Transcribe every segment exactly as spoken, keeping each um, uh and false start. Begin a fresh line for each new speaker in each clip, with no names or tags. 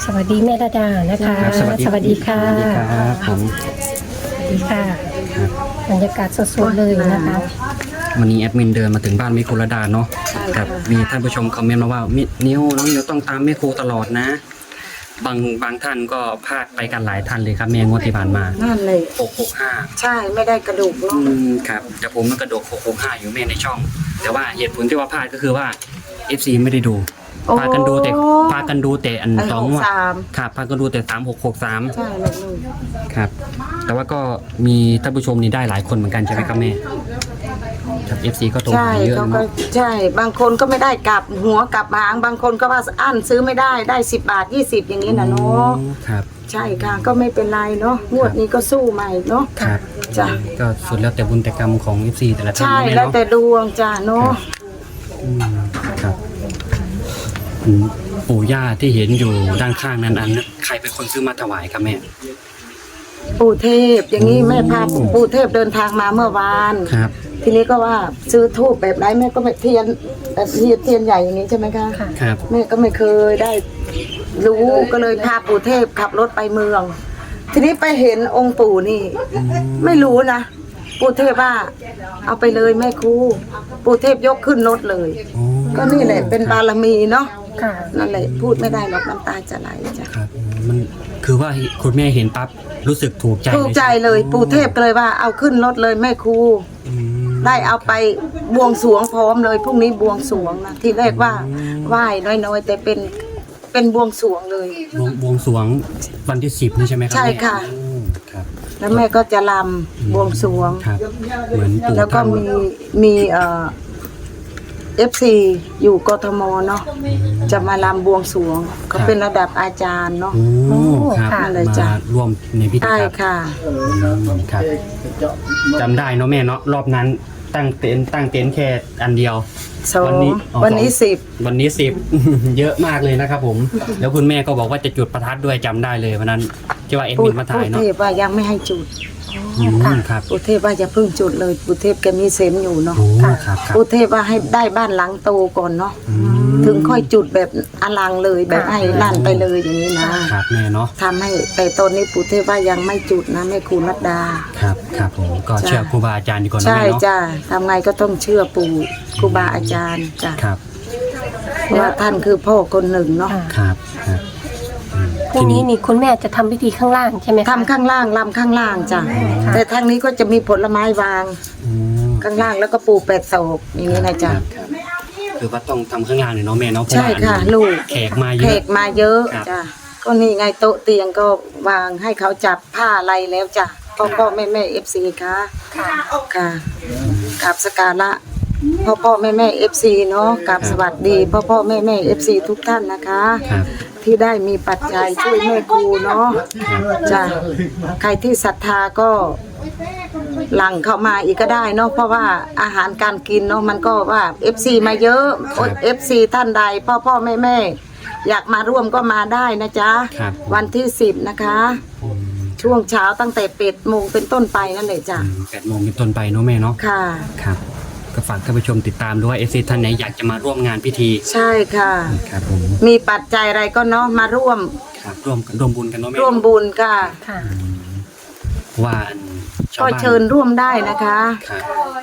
สวัสดีแม่ระดานะคะ
สวัสดี
สวัสดีค่ะ
สวัสดีครับผม
สวัสดีค่ะบรรยากาศสดๆเลยนะคะ
วันนี้แอดมินเดินมาถึงบ้านแม่ครูระดาเนาะครับมีท่านผู้ชมคอมเมนต์มาว่ามินิ้วน้องนิ้วต้องตามแม่ครูตลอดนะ บางบางท่านก็พลาดไปกันหลายท่านเลยครับแม่งวดที่ผ่านมา
นั่นเลย
หกหกห้า
ใช่ไม่ได้กระดูก
อื
เนาะ
มครับแต่ผมมันกระโดดหกหกห้าอยู่แม่ในช่อง แต่ว่าเหตุผลที่ว่าพลาดก็คือว่า เอฟ ซี ไม่ได้ดูพากันดูแต่พากันดูแต่อัน
ไอ้
สอง
หก
งวด
สาม
ครับพากันดูแต่สามหกหกสาม
ใช่เลยลูก
ครับ แต่ว่าก็มีท่านผู้ชมนี่ได้หลายคนเหมือนกันใช่ไหมครับแม่ครับ เอฟ ซี ก็โทร
ใช่
หาเยอะ
เขาก็
เนาะ
ใช่บางคนก็ไม่ได้กลับหัวกลับหางบางคนก็ว่าอั้นซื้อไม่ได้ได้สิบบาทยี่สิบอย่างนี้นะเนาะ
อืมครับ
ใช่ค่ะก็ไม่เป็นไรเนาะงวดนี้ก็สู้ใหม่เนาะ
ครับ
จ้ะ
ก็สุดแล้วแต่บุญแต่กรรมของ เอฟ ซี แต่ละท่าน
ใช่
นะม่
แล้ว
เนาะ
แต่ดวงจ้ะเนาะ
อืมครับอืมปู่ย่าที่เห็นอยู่ด้านข้างนั้นอันนั้นใครเป็นคนซื้อมาถวายครับแม่
ปู่เทพอย่างนี้แม่พา
อืม
ปู่เทพเดินทางมาเมื่อวาน
ครับ
ทีนี้ก็ว่าซื้อทูบแบบไรแม่ก็ไม่เทียนแบบเทียนเทียนใหญ่อย่างนี้ใช่ไหมคะ
ค่ะ
ครับ
แม่ก็ไม่เคยได้รู้ก็เลยพาปู่เทพขับรถไปเมือง ทีนี้ไปเห็นองค์ปู่นี่ ไม่รู้นะปู่เทพว่า เอาไปเลยแม่ครูปู่เทพยกขึ้นรถเลย
โอ้
ก็นี่แหละเป็นบารมีเนาะ
ค่ะ
นั่นแหละพูดไม่ได้หรอกน้ำตาจะไหลจ้ะ
ครับมันคือว่าคุณแม่เห็นปั๊บรู้สึกถูกใจ
ถูกใจเลยปู่เทพก็เลยว่าเอาขึ้นรถเลยแม่ครู
อืม
ได้เอาไปบวงสรวงพร้อมเลยพรุ่งนี้บวงสรวงนะที่แรกว่าไหว้น้อยๆ แต่เป็นเป็นบวงสรวงเลย
บวงบวงสรวงวันที่สิบนี่ใช่ไหมครั
ใช่
แม่
ค่ะ
อืมครับ
แล้วแม่ก็จะลำบวงสรวง
ครับ เหมือนปู่
แล้วก็
ท่าน
มีมีเอ่อเอฟซีอยู่กทมเนาะจะมาลำบวงสรวงเขาเป็นระดับอาจารย์เนาะ
โอ้ครับ
ค่ะเลยจ้ะ
มาร่วมในพิธี
ใช่
ครับ
ค่ะ
อืมครับจำได้เนาะแม่เนาะรอบนั้นตั้งเต็นท์ตั้งเต็นท์แค่อันเดียว
สอง
วันนี้อ๋อ
วันนี้
สอง
สิบ
วันนี้สิบ เยอะมากเลยนะครับผม แล้วคุณแม่ก็บอกว่าจะจุดประทัดด้วยจำได้เลยวันนั้นที่ว่าเอ็ด
ปู
มินมาถ่าย
เท
เนาะ
พว่ายังไม่ให้จุด
อืมครับ
ปูเทพว่าอย่าเพิ่งจุดเลยปูเทพแกมีเซนส์อยู่เนาะ
โอ้ครับครับ
ปูเทพว่าให้ได้บ้านหลังโตก่อนเนาะ
อืม
ถึงค่อยจุดแบบอลังเลยแบบให้ลั่นไปเลยอย่างนี้นะครับ
แม่เนาะ
ทำให้แต่ตอนนี้ปูเทพว่ายังไม่จุดนะแม่ครูนัดดา
ครับครับผมก็
จ้ะ
เชื่อครูบาอาจารย์ดีกว่านะ
ใช่
แม่เนาะ
จ้าทำไงก็ต้องเชื่อปู่ครูบาอาจารย์จ้ะ
ครับ
เพราะว่าท่านคือพ่อคนหนึ่งเนาะ
ค่ะ
ครับครับอืม
พรุ่งนี้นี่คุณแม่จะทำพิธีข้างล่างใช่ไหมคะ
ทำข้างล่างลำข้างล่างจ้ะ
ค่ะ
แต่ทางนี้ก็จะมีผลไม้วาง
อืม
ข้างล่างแล้วก็ปูแปดโศกอย่างนี้นะจ๊ะ
ครับครับคือว่าต้องทำข้างล่างเลยเนาะแม่เนาะเพราะ
ใช่
ว่า
ค่ะ
อันนี้
ลูก
แขกมาเย
แข
อะ
กมาเยอะ
ครับ
จ้ะก็นี่ไงโต๊ะเตียงก็วางให้เขาจับผ้าอะไรแล้วจ้ะพ่อพ่อแม่แม่เอฟซีค่ะ
ค่ะ
ค่ะกราบสกการะพ่อพ่อแม่แม่เอฟซีเนาะกราบสวัสดีพ่อพ่อแม่แม่เอฟซีทุกท่านนะคะ
ครับ
ที่ได้มีปัจจัยช่วยแม่ครูเนาะจ้ะใครที่ศรัทธาก็หลังเข้ามาอีกก็ได้เนาะเพราะว่าอาหารการกินเนาะมันก็ว่า เอฟ ซี มาเยอะ เอฟ ซี ท่านใดพ่อพ่อแม่แม่อยากมาร่วมก็มาได้นะจ๊ะ
ครับ
วันที่สิบนะคะ
อืม
ช่วงเช้าตั้งแต่เป็ดโมงเป็นต้นไปนั่นเลยจ้ะ
แปดโมงเป็นต้นไปเนาะแม่เนาะ
ค่ะ
ครับก็ฝากท่านผู้ชมติดตามด้วยเอฟซีท่านไหนอยากจะมาร่วมงานพิธี
ใช่ค่ะ
ครับผม
มีปัจจัยอะไรก็เนาะมาร่วม
ครับร่วมร่วมบุญกันเนาะแม่
ร่วมบุญค่ะ
ค่ะ
ว่าอันชาว
ก็
บ้าน
เชิญร่วมได้นะคะ
ครับ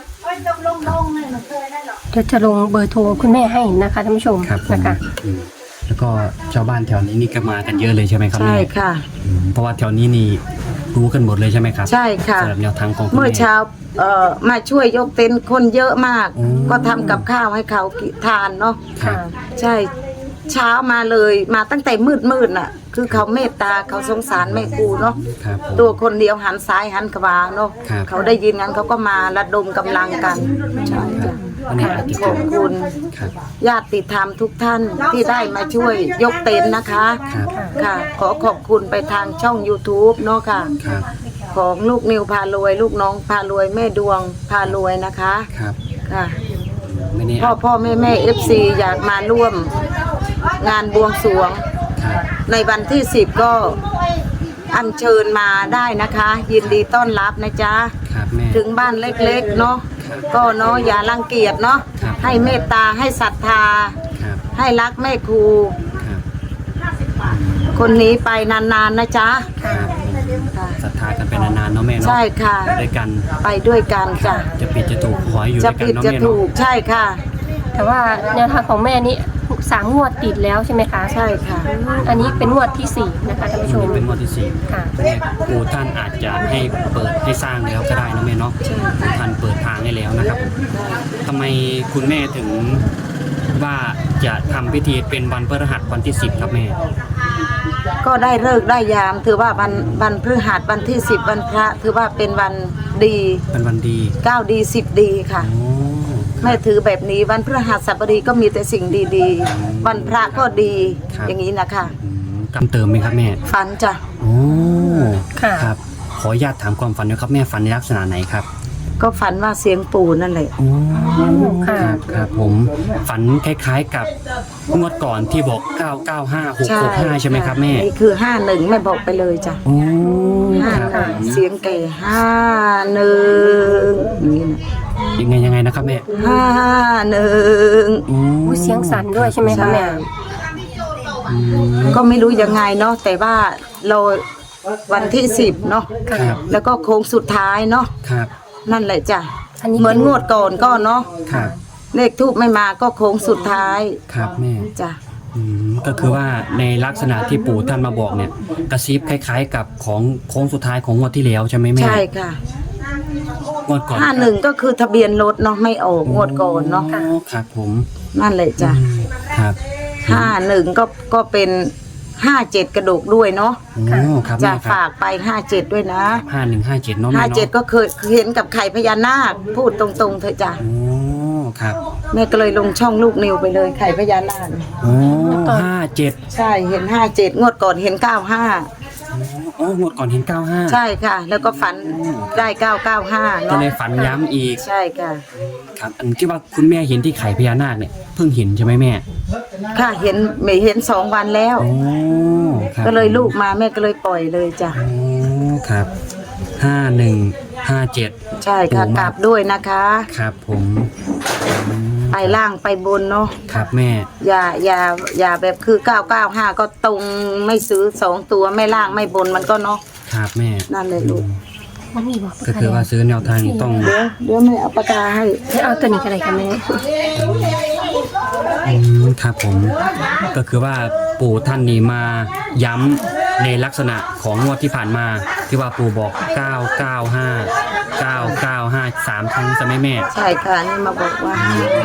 เดี๋ยวจะลงเบอร์โทรคุณแม่ให้นะคะท่านผู้ชม
ครับผม
นะคะ
อืมแล้วก็ชาวบ้านแถวนี้นี่ก็มากันเยอะเลยใช่ไหมครับ
ใช่
แม่
ค่ะ
อืมเพราะว่าแถวนี้นี่รู้กันหมดเลยใช่ไหมครับ
ใช่ค่ะ
สำหรับแนวทางของคุณ
เมื่อ
แม่
เช้าเอ่อมาช่วยยกเต็นท์คนเยอะมาก
อืม
ก็ทำกับข้าวให้เขากิทานเนาะ
ครับ
ใช่เช้ามาเลยมาตั้งแต่มืดมืดๆน่ะ คือเขาเมตตาเขาสงสารแม่ครูเนาะ
ครับผม
ตัวคนเดียวหันซ้ายหันขวาเนาะ
ครับ
เขาได้ยินงั้นเขาก็มาระดมกำลังกันใช่จ้ะ
วันนี้อาจจะ
ขอบคุณ
ครับ
ญาติธรรมทุกท่านที่ได้มาช่วยยกเต็นท์นะคะ
ครับ
ค่ะ ขอขอบคุณไปทางช่อง ยูทูบ เนาะค่ะ
ครับ
ของลูกนิวพารวย ลูกน้องพารวยแม่ดวงพารวยนะคะ
ครับ
ค่ะ
ไม่แน่
พ่อพ่อแม่แม่เอฟซีอยากมาร่วมงานบวงสรวง
ครับ
ในวันที่สิบก็อัญเชิญมาได้นะคะ ยินดีต้อนรับนะจ๊ะ
ครับแม่
ถึงบ้านเล็กๆเนาะก็เนาะอย่ารังเกียจเนาะ
ครับ
ให้เมตตาให้ศรัทธา
ครับ
ให้รักแม่ครู
ครับ
คคนนี้ไปนานๆนะจ๊ะ
ครับ
ค่ะ
ศรัทธากันไปนานๆเนาะแม่เนาะ
ใช่ค่ะ
ไปด้วยกัน
ไปด้วยกันจ้ะ
จะผิดจะถูกขอให้อยู่
จะ
ด้วยกัน
ผิด
เนาะ
จะ
แม่
ถู
เนาะ
กใช่ค่ะ
แต่ว่าแนวทางของแม่นี่สามงวดติดแล้วใช่ไหมคะ
ใช่ค่ะ
อืมอันนี้เป็นงวดที่สี่นะคะท่านผู้ชม
เป็นงวดที่สี่
ค่ะ
แม่ปู่ท่านอาจจะให้เปิดให้สร้างแล้วก็ได้นะแม่เนาะปู่ท่านเปิดทางให้แล้วนะครับผมทำไมคุณแม่ถึงว่าจะทำพิธีเป็นวันพฤหัสวันที่สิบครับแม่
ก็ได้เลิกษ์ได้ยาม ถือว่าวันวันพฤหัสวันที่สิบวันพระถือว่าเป็นวันดี
เป็นวันดี
เก้าดีสิบดีค่ะ
โอ้
แม่ถือแบบนี้วันพฤหัสบดีก็มีแต่สิ่งดีๆ วันพระก็ดี อย่างนี้นะคะ
อืมกำเติมไหมครับแม่
ฝันจ้ะ
โอ้
ค่ะ
ครับ ขออนุญาตถามความฝันด้วยครับแม่ฝันในลักษณะไหนครับ
ก็ฝันว่าเสียงปู่นั่นแหละ
โอ้
ค่ะ
ครับครับผมฝันคล้ายๆกับงวดก่อนที่บอกเก้าเก้าห้าหกหกห้าใช่ไหมครับแม่
นี่คือห้าหนึ่งแม่บอกไปเลยจ้ะ
โอ้
ห้า
ครับผม
เสียงแก่ห้าหนึ่งอย่างนี้นะ
ยังไงยังไงนะครับแม่
ห้าหนึ่ง
โอ้
อู้เสียงสั่นด้วยใช่ไหมคะแม่
อืม
ก็ไม่รู้ยังไงเนาะแต่ว่าเราวันที่สิบเนาะ
ครับ
แล้วก็โค้งสุดท้ายเนาะ
ครับ
นั่นแหละจ้ะ
อันนี้
เหมือนงวดก่อนก็เนาะ
ครับ
เลขทูบไม่มาก็โค้งสุดท้าย
ครับแม่
จ้ะ
อืมก็คือว่าในลักษณะที่ปู่ท่านมาบอกเนี่ยกระซิบคล้าย ๆ กับของโค้งสุดท้ายของงวดที่แล้วใช่ไหมแม่
ใช่ค่ะ
งวดก่อน
ห้าหนึ่งก็คือทะเบียนรถเนาะไม่ออกงวดก่อนเนาะ
อ๋อครับผม
นั่นแหละจ้ะ
อืมครับ
ห้าหนึ่งก็ก็เป็นห้าเจ็ดกระดูกด้วยเนาะ
โอ้ครับ
จะ
แม่ครับ
ฝากไปห้าเจ็ดด้วยนะ
ห้าหนึ่งห้าเจ็ดเนาะแม่
ห้า
เนาะ
เจ็ดก็เคยเห็นกับไข่พญานาคพูดตรงๆเถอะจ้ะ
โอ้ครับ
แม่ก็เลยลงช่องลูกนิวไปเลยไข่พญานาค
โอ้ห้าเจ็ด
ใช่เห็นห้าเจ็ดงวดก่อนเห็นเก้าห้า
โอ้งวดก่อนเห็นเก้าห้า
ใช่ค่ะ แล้วก็ฝันได้เก้าเก้าห้า
ก็
เนาะ
เลยฝันย้ำอีก
ใช่ค่ะ
ครับ อันที่ว่าคุณแม่เห็นที่ไข่พญานาคเนี่ยเพิ่งเห็นใช่ไหมแม่
ค่ะเห็นไม่เห็นสองวันแล้ว
โอ้ครับ
ก็เลยลูกมาแม่ก็เลยปล่อยเลยจ้ะ
โอ้ครับห้าหนึ่งห้าเจ็ด
ใช่ค่ะกลับด้วยนะคะ
ครับผมอืม
ไปล่างไปบนเนาะ
ครับแม่
อย่าอย่าอย่าแบบคือเก้าเก้าห้าก็ตรงไม่ซื้อสองตัวไม่ล่างไม่บนมันก็เนาะ
ครับแม่
นั่นเลยลูก
มันมีบอก
ก็คือว่าซื้อแนวทางนี้ต้อง
เดี๋ยวเดี๋ยวไม่เอาปากกาให้
จะเอาตัวนี้กันอะไรกันแม่
อืมครับผม ก็คือว่าปู่ท่านนี้มาย้ำในลักษณะของงวดที่ผ่านมา ที่ว่าปู่บอกเก้าเก้าห้า เก้าเก้าห้า สามครั้งใช่ไหมแม่
ใช่ค่ะนี่มาบอกว่า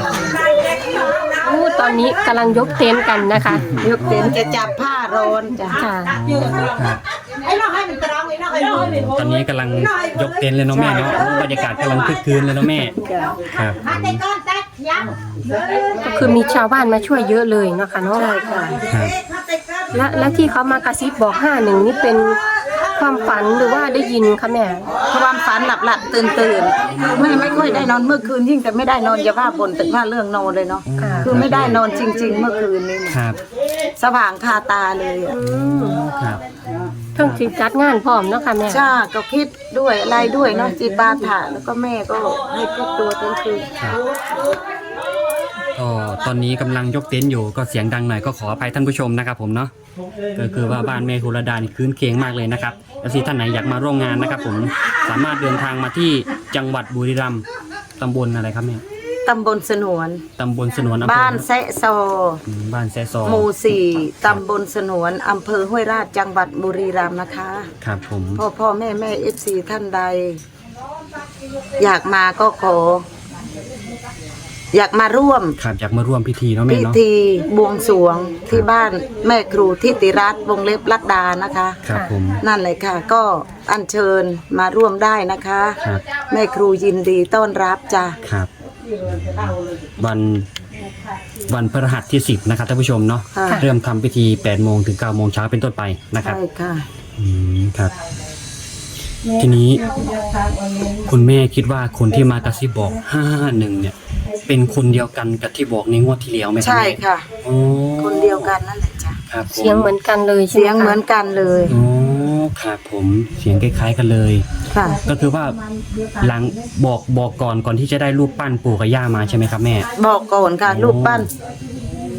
อู้ตอนนี้กำลังยกเต็นท์กันนะคะ
ยกเต็นท์จะจับผ้าร้อนจ้ะ
ค่ะ
ครับตอนนี้กำลังยกเต็นท์เลยเนาะแม่เนาะบรรยากาศกำลังคึกคืนเลยเนาะแม่
จ้ะ
ครับ
ก็คือมีชาวบ้านมาช่วยเยอะเลยเนาะค่ะเนาะ
ใช่ค่ะ
ครับ
และและที่เขามากระซิบบอกห้าหนึ่งนี่เป็นความฝันหรือว่าได้ยินคะแม่
ความฝันหลับหลับตื่นตื่นๆไม่ไม่ค่อยได้นอนเมื่อคืนยิ่งแต่ไม่ได้นอนอย่าว่าบนแต่ว่าเรื่องนอนเลยเนาะ
ค่ะ
คือไม่ได้นอนจริง ๆ เมื่อคืนนี้นะครับ สว่างคาตาเลยอะ
อืม
ครับ
เพิ่งถึงจัดงานพร้อมเนาะค่ะแม่
ใช่ก็คิดด้วยอะไรด้วยเนาะจีบาถะแล้วก็แม่ก็ให้พูดตัวทั้งคืน
ครับก็ตอนนี้กำลังยกเต็นท์อยู่ก็เสียงดังหน่อยก็ขออภัยท่านผู้ชมนะครับผมเนาะก็คือว่าบ้านแม่คุรดานี่คืนเคียงมากเลยนะครับแล้วที่ท่านไหนอยากมาร่วมงานนะครับผมสามารถเดินทางมาที่จังหวัดบุรีรัมย์ตำบลอะไรครับแม่
ตำบลสนวน
ตำบลสนวนอำเภอ
บ้านแซะซอ
อืมบ้านแซซอ
หมู่สี่ตำบลสนวนอำเภอห้วยราชจังหวัดบุรีรัมย์นะคะ
ครับผม
พ่อพ่อแม่แม่เอฟซีท่านใด อยากมาก็ขอ อยากมาร่วม
ครับอยากมาร่วมพิธีเนาะแม่
พิ
เนาะ
ธีบวงสรวงที่บ้านแม่ครูทิติรัตน์วงเล็บลัดดานะคะ
ครับผม
นั่นเลยค่ะ ก็อัญเชิญมาร่วมได้นะคะ
ครับ
แม่ครูยินดีต้อนรับจ้ะ
ครับ วันวันพฤหัสที่สิบนะครับท่านผู้ชมเนาะ
ค่ะ
เริ่มทำพิธีแปดโมงถึงเก้าโมงเช้าเป็นต้นไปนะครับ
ใช่ค่ะ
อืมครับ ทีนี้ คุณแม่คิดว่าคนที่มากระซิบบอกห้าหนึ่งเนี่ย เป็นคนเดียวกันกับที่บอกในงวดที่แล้วไหมครับ
ใช่
แม่
ค่ะ
โอ้
คนเดียวกันนั่นแหละจ้ะ
ครับผม
เสียงเหมือนกันเลยใช่ไหม
เสียงเหมือนกันเลย
โอ้ครับผมเสียงคล้ายๆกันเลย
ค่ะ
ก็คือว่าหลังบอกบอกก่อนก่อนที่จะได้รูปปั้นปู่กับย่ามาใช่ไหมครับแม่
บอกก่อนค่ะ
โอ้
รูปปั้น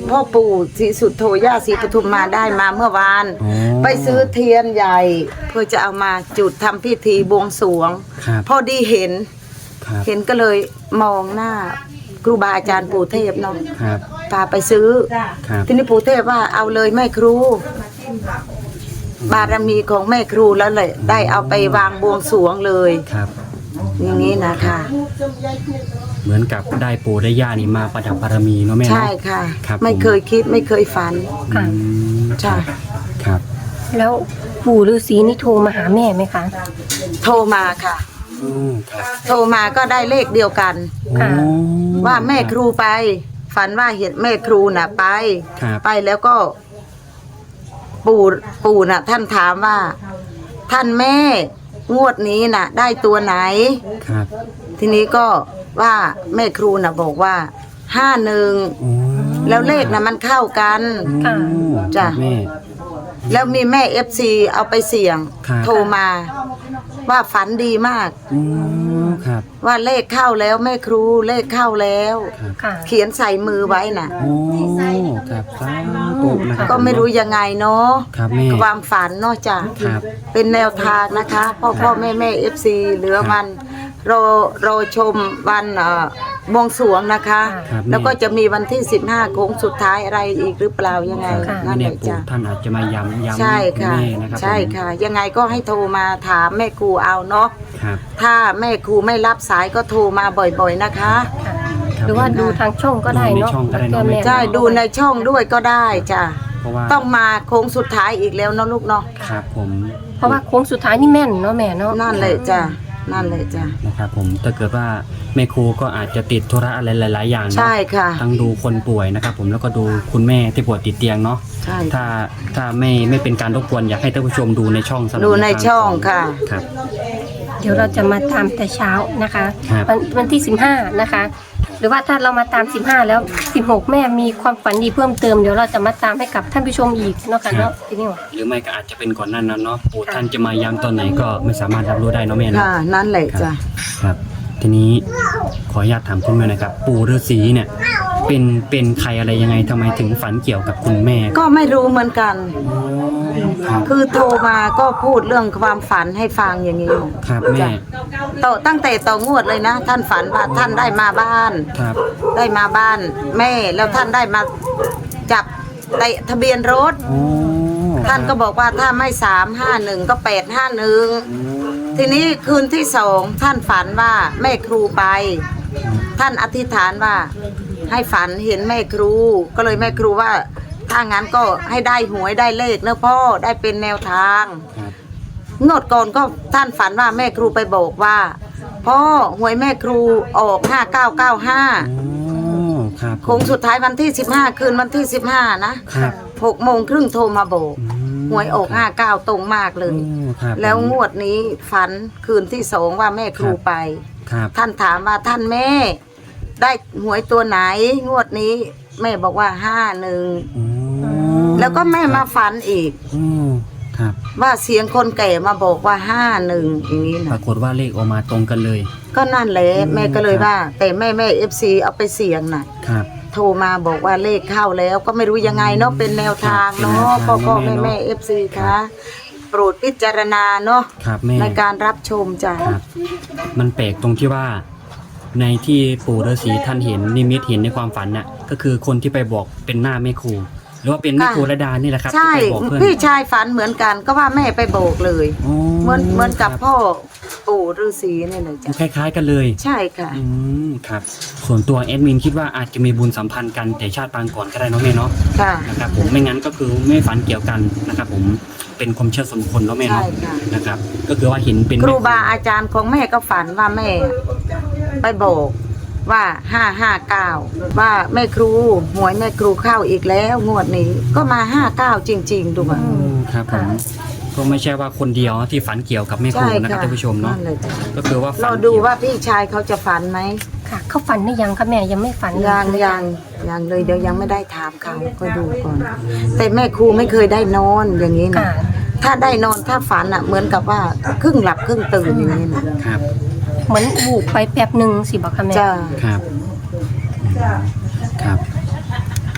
พ่อปู่ศรีสุโธย่าศรีปทุมมาได้มาเมื่อวาน
อ๋อ
ไปซื้อเทียนใหญ่ เพื่อจะเอามาจุดทำพิธีบวงสรวง
ครับ
พอดีเห็น
ครับ
เห็นก็เลยมองหน้าครูบาอาจารย์ปู่เทพเนาะ
ครับ
พาไปซื้อ
ครับ
ทีนี้ปู่เทพว่าเอาเลยแม่ครู บารมีของแม่ครูแล้วเลยได้เอาไปวางบวงสรวงเลย
ครับ
อย่างนี้นะคะ
เหมือนกับได้ปู่ได้ย่านี่มาประดับบารมีเนาะแม่เนาะ
ใช่ค่ะ
ครับ
ไม่เคยคิดไม่เคยฝัน
อืม
จ้ะ
ครับ
แล้วปู่ฤาษีนี่โทรมาหาแม่ไหมคะ
โทรมาค่ะ
อืมครับ
โทรมาก็ได้เลขเดียวกัน
ค่ะ
โอ้
ว่าแม่ครูไป ฝันว่าเห็นแม่ครูน่ะไป
ครับ
ไปแล้วก็ ปู่ปู่น่ะ ท่านถามว่า ท่านแม่งวดนี้น่ะ ได้ตัวไหน
ครับ
ทีนี้ก็ว่าแม่ครูน่ะบอกว่าห้าหนึ่ง
โอ้
แล้วเลขน่ะมันเข้ากัน
ค่ะ
จ้ะ
แม่
แล้วมีแม่เอฟซีเอาไปเสี่ยง
ครับ
โทรมา ว่าฝันดีมาก
อืมครับ
ว่าเลขเข้าแล้วแม่ครูเลขเข้าแล้ว
ครับ
ค่ะ
เขียนใส่มือไว้น่ะ
โอ้ครับสาธุนะครับ
ก็ไม่รู้ยังไงเนาะ
ครับแม่
ความฝันเนาะจ้ะ
ครับ
เป็นแนวทางนะคะพ่อพ่อแม่แม่เอฟซีเหลือวันรอรอชมวันเอ่อบวงสรวงนะคะ
ครับ
แล้วก็จะมีวันที่สิบห้าโค้งสุดท้ายอะไรอีกหรือเปล่ายังไง
ค่ะ
นั่นแห
เนี่ย
ละ
ปู่
จ้ะ
ท่านอาจจะมาย้ำย้ำ
ใช่ค่ะ
แม่นะครับ
ใช่
ผม
ค่ะ ยังไงก็ให้โทรมาถามแม่ครูเอาเนาะ
ครับ
ถ้าแม่ครูไม่รับสายก็โทรมาบ่อยๆนะคะ
ค่ะ
ครับ
หรือว่าดูทางช่องก็ได้เนาะ
ดูในช่องก็ได้เนอะ
แม่
ใช่ดูในช่องด้วยก็ได้จ้ะ
เพราะว่า
ต้องมาโค้งสุดท้ายอีกแล้วเนาะลูกเนาะ
ครับผม
เพราะว่าโค้งสุดท้ายนี่แม่นเนาะแม่เนาะ
นั่นเลยจ้ะนั่นเลยจ้ะ
นะครับผมถ้าเกิดว่าแม่ครูก็อาจจะติดธุระอะไรหลาย ๆ อย่างเนอะ
ใช่ค่ะ
ทั้งดูคนป่วยนะครับผมแล้วก็ดูคุณแม่ที่ป่วยติดเตียงเนาะ
ใช่
ถ้าถ้าไม่ไม่เป็นการรบกวนอยากให้ท่านผู้ชมดูในช่องสำหรับ
ดูในช่องค่ะ
ครับ
เดี๋ยวเราจะมาตามแต่เช้านะคะ
ครับ
วันวันที่สิบห้านะคะ หรือว่าถ้าเรามาตามสิบห้าแล้วสิบหกแม่มีความฝันดีเพิ่มเติมเดี๋ยวเราจะมาตามให้กับท่านผู้ชมอีกเนาะค่ะเนาะทีนี้ว่า
หรือไม่ก็อาจจะเป็นก่อนหนั้นนั้นเนาะปู่ท่านจะมาย้ำตอนไหนก็ไม่สามารถรับรู้ได้เนาะแม่เนาะ
ค่ะ นั่นแหละ
ครับ
จ้ะ
ครับ ทีนี้ขออนุญาตถามคุณแม่หนะครับ ปู่ฤาษีเนี่ย เป็นเป็นใครอะไรยังไงทำไมถึงฝันเกี่ยวกับคุณแม่
ก็ไม่รู้เหมือนกัน
ครับ
คือโทรมาก็พูดเรื่องความฝันให้ฟังอย่างนี้
ครับแม่
จ้ะต่อตั้งแต่ต่องวดเลยนะ ท่านฝันว่าท่านได้มาบ้าน
ครับ
ได้มาบ้าน แม่แล้วท่านได้มาจับเตะทะเบียนรถ
โอ้
ท่านก็บอกว่าถ้าไม่สามห้าหนึ่งก็แปดห้าหนึ่ง
อืม
ทีนี้คืนที่สองท่านฝันว่าแม่ครูไป ท่านอธิษฐานว่า ให้ฝันเห็นแม่ครู ก็เลยแม่ครูว่า ถ้างั้นก็ให้ได้หวยได้เลขนะพ่อได้เป็นแนวทาง
ครับ
งวดก่อนก็ท่านฝันว่าแม่ครูไปบอกว่าพ่อหวยแม่ครูออกห้าเก้าเก้าห้า
โอ้ครับ
โค้งสุดท้ายวันที่สิบห้าคืนวันที่สิบห้านะครับ หกโมงครึ่งโทรมาบอก
อืม
หวยออกห้าเก้าตรงมากเลย
โอ้ครับ
แล้วงวดนี้ฝันคืนที่สองว่าแม่ครูไป
ครับ
ท่านถามว่าท่านแม่ ได้หวยตัวไหน งวดนี้ แม่บอกว่าห้าหนึ่ง
โอ้
แล้วก็แม่มาฝันอีก
โอ้ครับ
ว่าเสียงคนแก่มาบอกว่าห้าหนึ่งอย่างนี้
ป
นะ
รากฏว่าเลขออกมาตรงกันเลย
ก็นั่นแหละ
อืม
แม่ก็เลย
ครับ
ว่า แต่แม่แม่เอฟซีเอาไปเสี่ยงน่ะ
ครับ
โทรมาบอกว่าเลขเข้าแล้ว ก็ไม่รู้ยังไงเนาะเป็นแนวทางเนาะ
เป็นแนวทาง
พ่อพ่อ
เน
แม่
อะแม่
แม่
เนอะ
เอฟซีคะโปรดพิจารณาเนาะ
ครับแม่
ในการรับชมจ้ะ
ครับ มันแปลกตรงที่ว่า ในที่ปู่ฤาษีท่านเห็นนิมิตเห็นในความฝันน่ะ ก็คือคนที่ไปบอกเป็นหน้าแม่ครูหรือว่าเป็นแม่ครูระดานี่แหละครับ
ใช่
ที่ไปบอกเพื่อน
พี่ชายฝันเหมือนกันก็ว่าแม่ไปโบกเลย
โอ้
เหมือนเหมือนกับ
ครับ
พ่อปู่ฤาษีเนี่ยเลยจ้ะ
คล้ายๆกันเลย
ใช่ค่ะ
อืมครับ ส่วนตัวแอดมินคิดว่าอาจจะมีบุญสัมพันธ์กันแต่ชาติปางก่อนก็ได้เนาะแม่เนาะ
ค่ะ
นะครับผมไม่งั้นก็คือไม่ฝันเกี่ยวกันนะครับผมเป็นความเชื่อส่วนบุคคลเนาะแม่
ใช่
เนาะ
ค่ะ
นะครับ ก็คือว่าเห็นเป็น
ครูบาอาจารย์ของแม่ก็ฝันว่าแม่ ไปโบกว่าห้าห้าเก้าว่าแม่ครูหวยแม่ครูเข้าอีกแล้วงวดนี้ ก็มาห้าเก้าจริง ๆ ดูว่า
อืมครับผมก็ไม่ใช่ว่าคนเดียวที่ฝันเกี่ยวกับแม่ครู
ใช่
นะครับ
ค่ะ
ท่านผู้ชมเนาะ
นั่นเลยจ้ะ
ก็คือว่าฝัน
เราดูว่าพี่ชายเขาจะฝันไหม
ค่ะเขาฝันได้ยังคะแม่ยังไม่ฝันเล
ยังยังยังเลยเดี๋ยวยังไม่ได้ถามเขาก็ดูก่อน แต่แม่ครูไม่เคยได้นอนอย่างนี้นะ
ค่ะ
ถ้าได้นอนถ้าฝันอ่ะ เหมือนกับว่าครึ่งหลับครึ่งตื่นอย่างนี้นะครับ
เหมือนบูบไปแป๊บหนึ่งสิบอกค่ะแม่
จ้า
ครับอืมครับ ข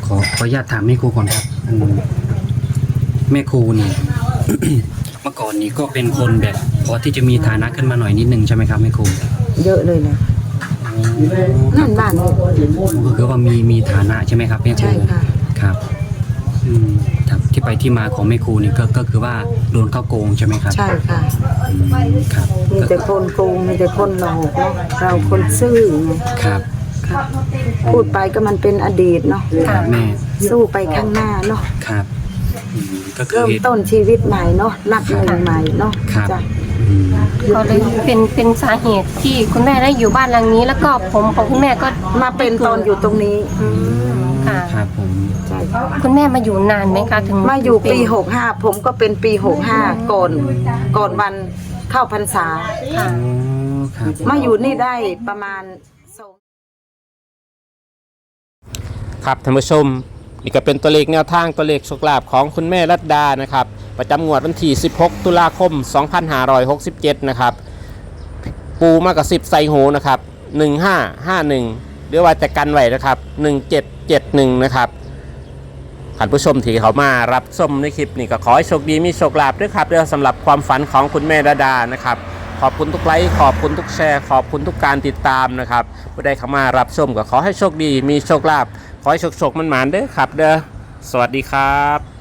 อขออนุญาตถามแม่ครูก่อนครับอืมแม่ครูนี่ เมื่อก่อนนี้ก็เป็นคนแบบพอที่จะมีฐานะขึ้นมาหน่อยนิดนึงใช่ไหมครับแม่ครู
เยอะเลยนะนั่นบ้านนี่
ก็คือว่ามีมีฐานะใช่ไหมครับแม่ครู
ใช่ค่ะ
ครับอืมครับที่ไปที่มาของแม่ครูนี่ก็ก็คือว่าโดนเข้าโกงใช่ไหมครับ
ใช่ค่ะ
อืมครับ
มีแต่คนโกงมีแต่คนหลอกเนาะเราคนซื่อไง
ครับ
ค่ะพูดไปก็มันเป็นอดีตเนาะ
ครับแม่
สู้ไปข้างหน้าเนาะ
ครับอืมก็คือ
เริ่มต้นชีวิตใหม่เนาะนับหนึ่งใหม่เนาะ
ครับ
จ้ะ
อืม
ก็เลยเป็นเป็นสาเหตุที่คุณแม่ได้อยู่บ้านหลังนี้ แล้วก็ผมของคุณแม่ก็
มาเป็นตอนอยู่ตรงนี้
อืมค่ะ
ครับผม
ใช่
คุณแม่มาอยู่นานไหมคะถึง
มาอยู่ปี
เป็น
หกห้าผมก็เป็นปีหกห้าก่อนก่อนวันเข้าพรรษา
ค่ะ
อ๋อครับ
มาอยู่นี่ได้ประมาณสอง
ครับท่านผู้ชมนี่ก็เป็นตัวเลขแนวทางตัวเลขโชคลาภของคุณแม่รัตดานะครับประจำงวดวันที่สิบหกตุลาคมสองพันห้าร้อยหกสิบเจ็ดนะครับปูมากกับสิบใส่หูนะครับหนึ่งห้าห้าหนึ่งหรือว่าจะกันไว้นะครับหนึ่งเจ็ดเจ็ดหนึ่งนะครับท่านผู้ชมที่เขามารับชมในคลิปนี้ก็ขอให้โชคดีมีโชคลาภด้วยครับเรื่องสำหรับความฝันของคุณแม่รัตดานะครับขอบคุณทุกไลค์ขอบคุณทุกแชร์ขอบคุณทุกการติดตามนะครับผู้ใดเข้ามารับชมก็ขอให้โชคดีมีโชคลาภขอให้โชคโชคมันหมานเด้อครับเด้อสวัสดีครับ